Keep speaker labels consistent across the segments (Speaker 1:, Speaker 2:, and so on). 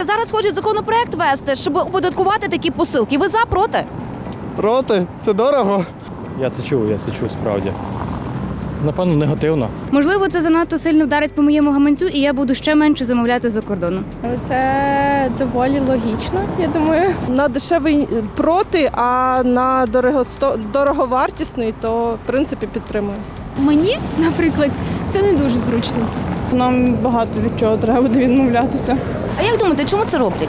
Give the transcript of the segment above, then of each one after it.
Speaker 1: Зараз хочуть законопроект вести, щоб оподаткувати такі посилки. Ви за, проти?
Speaker 2: Проти? Це дорого.
Speaker 3: Я це чув справді. Напевно, негативно.
Speaker 4: Можливо, це занадто сильно вдарить по моєму гаманцю, і я буду ще менше замовляти за кордоном.
Speaker 5: Але це доволі логічно, я думаю.
Speaker 6: На дешевий проти, а на дороговартісний, то в принципі підтримую.
Speaker 7: Мені, наприклад, це не дуже зручно.
Speaker 6: Нам багато від чого треба буде відмовлятися.
Speaker 1: А як думаєте, чому це роблять?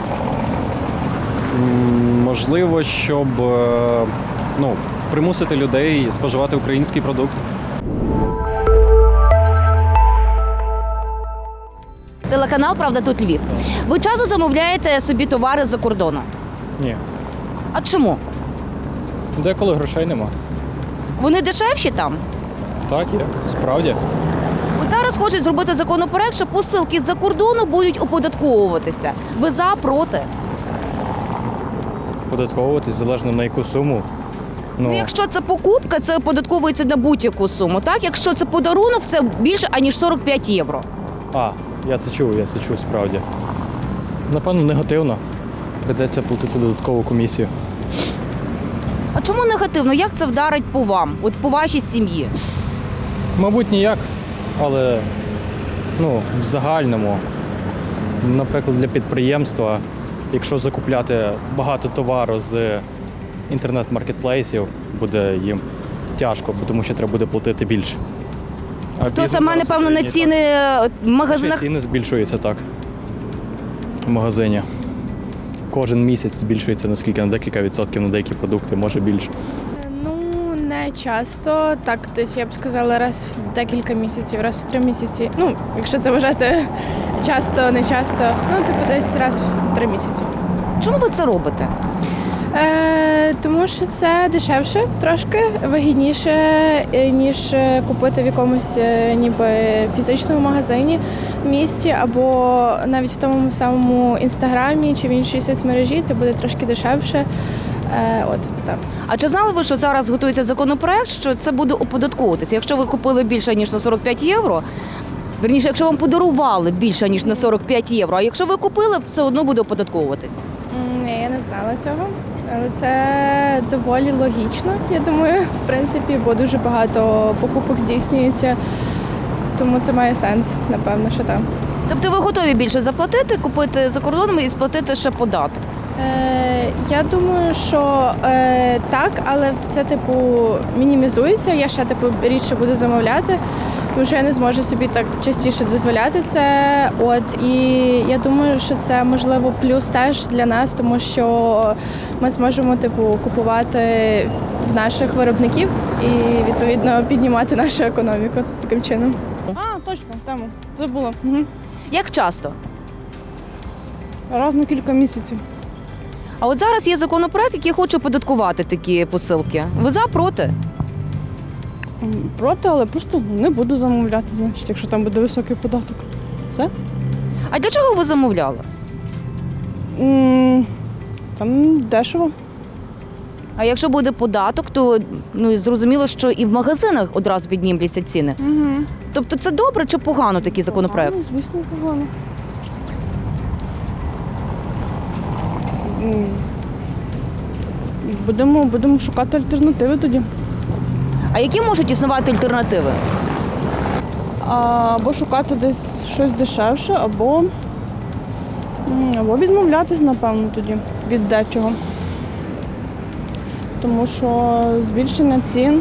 Speaker 8: Можливо, щоб примусити людей споживати український продукт.
Speaker 1: Телеканал «Правда тут Львів». Ви часто замовляєте собі товари за кордоном?
Speaker 3: Ні.
Speaker 1: А чому?
Speaker 3: Деколи грошей нема.
Speaker 1: Вони дешевші там?
Speaker 3: Так, є. Справді.
Speaker 1: От зараз хочуть зробити законопроект, що посилки з-за кордону будуть оподатковуватися. Ви за, проти?
Speaker 3: Податковуватись залежно на яку суму.
Speaker 1: Ну, якщо це покупка, це оподатковується на будь-яку суму, так? Якщо це подарунок, це більше, аніж 45 євро.
Speaker 3: Я це чув справді. Напевно, негативно. Придеться платити додаткову комісію.
Speaker 1: А чому негативно? Як це вдарить по вам, от по вашій сім'ї?
Speaker 3: Мабуть, ніяк, але в загальному, наприклад, для підприємства, якщо закупляти багато товару з інтернет-маркетплейсів, буде їм тяжко, тому що треба буде платити більше.
Speaker 1: То саме, напевно, на ціни в магазинах.
Speaker 3: Ціни збільшуються так. В магазині. Кожен місяць збільшується наскільки, на декілька відсотків на деякі продукти, може більше.
Speaker 5: Ну, не часто. Так, десь я б сказала, раз в декілька місяців, раз в 3 місяці. Ну, якщо це вважати часто, не часто. Ну, типу, десь раз в 3 місяці.
Speaker 1: Чому ви це робите?
Speaker 5: Тому що це дешевше, трошки вигідніше, ніж купити в якомусь ніби фізичному магазині в місті, або навіть в тому самому інстаграмі чи в іншій соцмережі це буде трошки дешевше. Так.
Speaker 1: А чи знали ви, що зараз готується законопроект, що це буде оподатковуватися? Якщо ви купили більше, ніж на 45 євро, верніше, якщо вам подарували більше, ніж на 45 євро, а якщо ви купили, все одно буде оподатковуватись?
Speaker 5: Ні, я не знала цього. Але це доволі логічно, я думаю, в принципі, бо дуже багато покупок здійснюється, тому це має сенс, напевно, що так.
Speaker 1: Тобто ви готові більше заплатити, купити за кордоном і сплатити ще податок?
Speaker 5: Я думаю, що так, але це, мінімізується, я ще, рідше буду замовляти, тому що я не зможу собі так частіше дозволяти це. І я думаю, що це, можливо, плюс теж для нас, тому що ми зможемо, купувати в наших виробників і, відповідно, піднімати нашу економіку таким чином.
Speaker 6: Точно, тему. Забула.
Speaker 1: Як часто?
Speaker 6: Раз на кілька місяців.
Speaker 1: А от зараз є законопроект, який хоче оподаткувати такі посилки. Ви за, проти?
Speaker 6: Проти, але просто не буду замовляти, значить, якщо там буде високий податок. Все?
Speaker 1: А для чого ви замовляли?
Speaker 6: Там дешево.
Speaker 1: А якщо буде податок, то зрозуміло, що і в магазинах одразу піднімляться ціни. Тобто це добре чи погано такий законопроект?
Speaker 6: Звісно, погано. Будемо шукати альтернативи тоді.
Speaker 1: А які можуть існувати альтернативи?
Speaker 6: Або шукати десь щось дешевше, або відмовлятись, напевно, тоді від дечого. Тому що збільшення цін,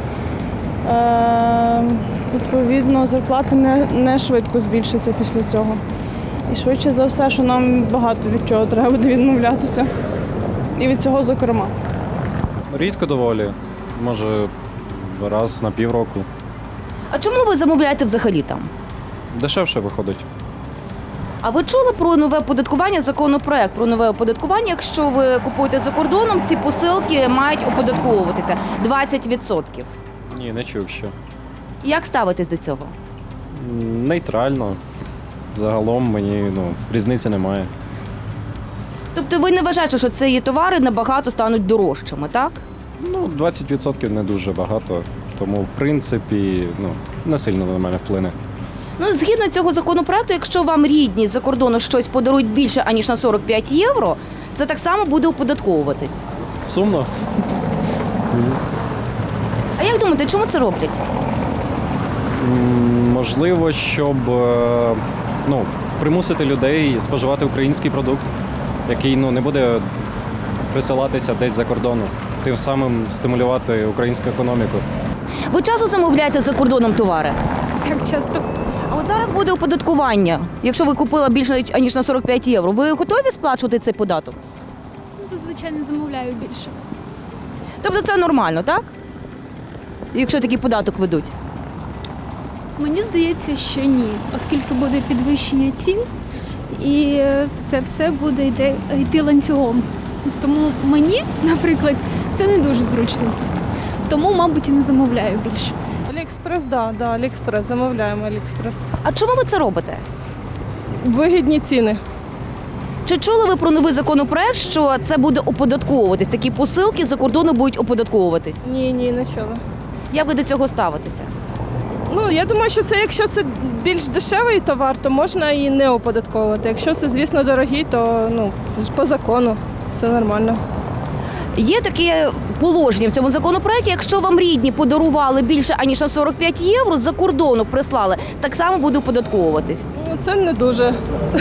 Speaker 6: відповідно, зарплати не швидко збільшаться після цього. І швидше за все, що нам багато від чого треба буде відмовлятися. І від цього, зокрема.
Speaker 8: Рідко доволі. Може, раз на півроку.
Speaker 1: А чому ви замовляєте взагалі там?
Speaker 8: Дешевше виходить.
Speaker 1: А ви чули про нове оподаткування, законопроект про нове оподаткування? Якщо ви купуєте за кордоном, ці посилки мають оподатковуватися 20%.
Speaker 8: Ні, не чув ще.
Speaker 1: Як ставитесь до цього?
Speaker 8: Нейтрально. Загалом мені різниці немає.
Speaker 1: Тобто ви не вважаєте, що ці товари набагато стануть дорожчими, так?
Speaker 8: 20% не дуже багато, тому, в принципі, не сильно на мене вплине.
Speaker 1: Ну, згідно цього законопроекту, якщо вам рідні з-за кордону щось подарують більше, аніж на 45 євро, це так само буде оподатковуватись.
Speaker 8: Сумно.
Speaker 1: А як думаєте, чому це роблять?
Speaker 8: Можливо, щоб примусити людей споживати український продукт, який не буде присилатися десь за кордону. Тим самим стимулювати українську економіку.
Speaker 1: Ви часто замовляєте за кордоном товари?
Speaker 7: Так часто.
Speaker 1: А от зараз буде оподаткування. Якщо ви купила більше, аніж на 45 євро, ви готові сплачувати цей податок?
Speaker 7: Зазвичай не замовляю більше.
Speaker 1: Тобто це нормально, так? Якщо такий податок ведуть.
Speaker 7: Мені здається, що ні, оскільки буде підвищення цін, і це все буде йти ланцюгом. Тому мені, наприклад, це не дуже зручно. Тому, мабуть, і не замовляю більше.
Speaker 6: Аліекспрес, да, Аліекспрес, замовляємо Аліекспрес.
Speaker 1: А чому ви це робите?
Speaker 6: Вигідні ціни.
Speaker 1: Чи чули ви про новий законопроект, що це буде оподатковуватись? Такі посилки за кордону будуть оподатковуватись?
Speaker 6: Ні, не чула.
Speaker 1: Як ви до цього ставитеся?
Speaker 6: Ну, я думаю, що якщо це більш дешевий товар, то можна і не оподатковувати. Якщо це, звісно, дорогий, то це ж по закону, все нормально.
Speaker 1: Є таке положення в цьому законопроекті, якщо вам рідні подарували більше, аніж на 45 євро, за кордону прислали, так само буде оподатковуватись.
Speaker 6: Ну, це не дуже.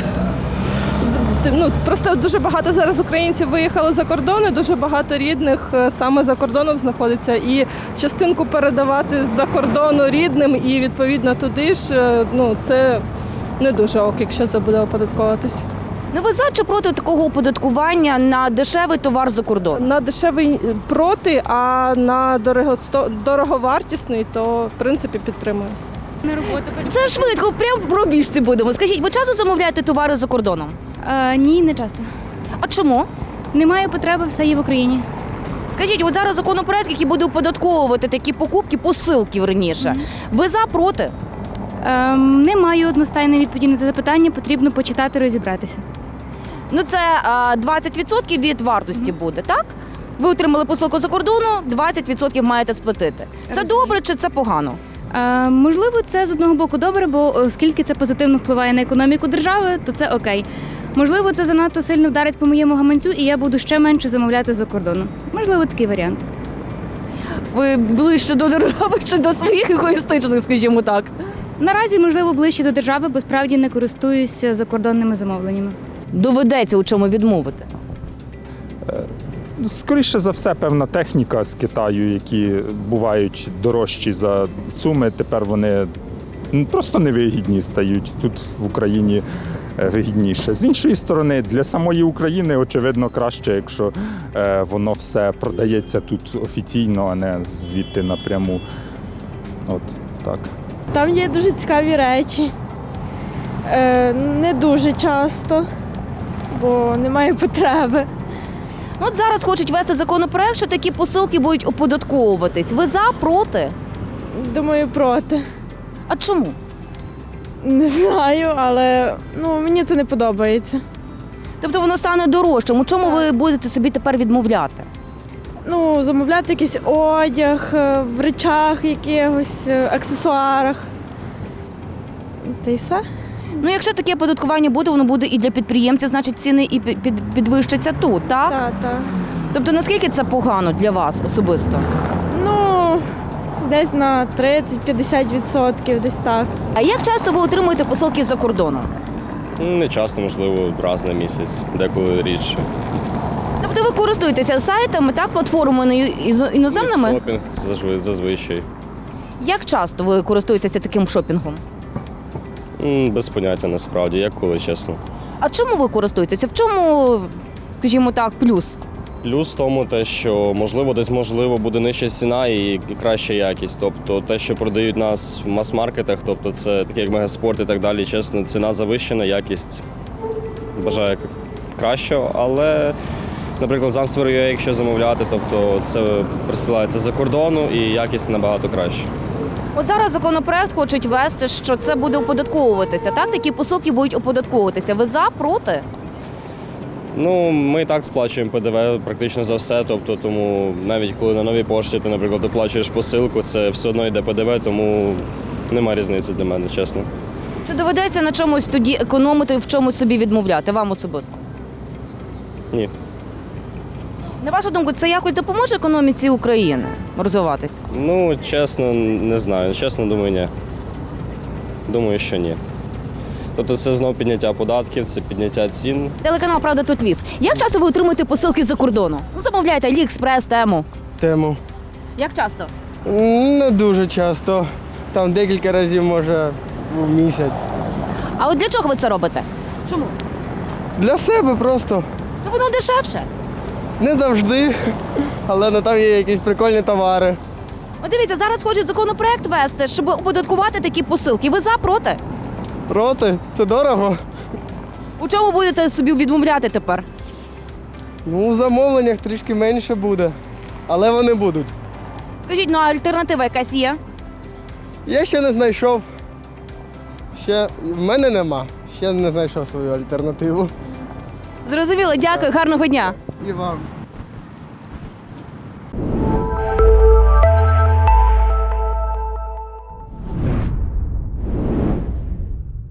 Speaker 6: Просто дуже багато зараз українців виїхали за кордон, і дуже багато рідних саме за кордоном знаходиться. І частинку передавати з-за кордону рідним і відповідно туди ж, це не дуже ок, якщо це буде оподатковуватись.
Speaker 1: Ну ви за чи проти такого оподаткування на дешевий товар за кордон?
Speaker 6: На дешевий проти, а на дороговартісний, то в принципі підтримую.
Speaker 7: На роботу
Speaker 1: Це швидко, прямо в пробіжці будемо. Скажіть, ви часто замовляєте товари за кордоном?
Speaker 4: Ні, не часто.
Speaker 1: А чому?
Speaker 4: Немає потреби, все є в Україні.
Speaker 1: Скажіть, от зараз законопроект, який буде оподатковувати такі покупки, посилки верніше. Ви за проти?
Speaker 4: Не маю одностайної відповіді на це запитання, потрібно почитати, розібратися.
Speaker 1: Ну це 20% від вартості буде, так? Ви отримали посилку за кордону, 20% маєте сплатити. Це
Speaker 4: Розумію.
Speaker 1: добре чи це погано?
Speaker 4: Можливо, це з одного боку добре, бо оскільки це позитивно впливає на економіку держави, то це окей. Можливо, це занадто сильно вдарить по моєму гаманцю, і я буду ще менше замовляти за кордону. Можливо, такий варіант.
Speaker 1: Ви ближче до держави чи до своїх егоїстичних, скажімо так?
Speaker 4: Наразі, можливо, ближче до держави, бо справді не користуюся закордонними замовленнями.
Speaker 1: Доведеться у чому відмовити.
Speaker 9: Скоріше за все, певна техніка з Китаю, які бувають дорожчі за суми, тепер вони просто невигідні стають. Тут в Україні вигідніше. З іншої сторони, для самої України, очевидно, краще, якщо воно все продається тут офіційно, а не звідти напряму. От так.
Speaker 6: Там є дуже цікаві речі. Не дуже часто, бо немає потреби.
Speaker 1: От зараз хочуть ввести законопроект, що такі посилки будуть оподатковуватись. Ви за, проти?
Speaker 6: Думаю, проти.
Speaker 1: А чому?
Speaker 6: Не знаю, але мені це не подобається.
Speaker 1: Тобто воно стане дорожчим. У чому ви будете собі тепер відмовляти?
Speaker 6: Замовляти якийсь одяг, в речах якихось, аксесуарах. Та й все.
Speaker 1: Ну, якщо таке оподаткування буде, воно буде і для підприємців, значить ціни і підвищаться тут, так?
Speaker 6: Так.
Speaker 1: Тобто наскільки це погано для вас особисто?
Speaker 6: Десь на 30-50%, десь так.
Speaker 1: А як часто ви отримуєте посилки з-за кордону?
Speaker 10: Не часто, можливо, раз на місяць, деколи рідше.
Speaker 1: Тобто ви користуєтеся сайтами, так, платформами іноземними?
Speaker 10: Шопінг зазвичай.
Speaker 1: Як часто ви користуєтеся таким шопінгом?
Speaker 10: Без поняття насправді, як коли, чесно.
Speaker 1: А чому ви користуєтеся? В чому, скажімо так, плюс?
Speaker 10: Плюс в тому те, що десь буде нижча ціна і краща якість. Тобто те, що продають нас в мас-маркетах, тобто це таке як Мегаспорт і так далі, чесно, ціна завищена, якість бажаю кращого, але, наприклад, Zansphere.ua, якщо замовляти, тобто це присилається за кордону і якість набагато краща.
Speaker 1: От зараз законопроект хочуть ввести, що це буде оподатковуватися, так? Такі посилки будуть оподатковуватися. Ви за, проти?
Speaker 10: Ми і так сплачуємо ПДВ практично за все, тобто тому навіть коли на новій пошті ти, наприклад, оплачуєш посилку, це все одно йде ПДВ, тому немає різниці для мене, чесно.
Speaker 1: Чи доведеться на чомусь тоді економити і в чомусь собі відмовляти вам особисто?
Speaker 10: Ні.
Speaker 1: На вашу думку, це якось допоможе економіці України розвиватись?
Speaker 10: Ну, чесно, не знаю. Чесно, думаю, ні. Думаю, що ні. Тобто це знов підняття податків, це підняття цін.
Speaker 1: Телеканал «Правда тут Львів». Як часто ви отримуєте посилки з-за кордону? Ну, замовляєте Аліекспрес, Тему.
Speaker 2: Тему.
Speaker 1: Як часто?
Speaker 2: Не дуже часто. Там декілька разів, може, в місяць.
Speaker 1: А от для чого ви це робите? Чому?
Speaker 2: Для себе просто.
Speaker 1: Ну воно дешевше.
Speaker 2: Не завжди, але там є якісь прикольні товари.
Speaker 1: От дивіться, зараз хочуть законопроект вести, щоб оподаткувати такі посилки. Ви за, проти?
Speaker 2: Проти? Це дорого.
Speaker 1: У чому будете собі відмовляти тепер?
Speaker 2: Ну, у замовленнях трішки менше буде, але вони будуть.
Speaker 1: Скажіть, ну а альтернатива якась є?
Speaker 2: Я ще не знайшов. В мене нема. Ще не знайшов свою альтернативу.
Speaker 1: Зрозуміло, дякую, гарного дня.
Speaker 2: І вам.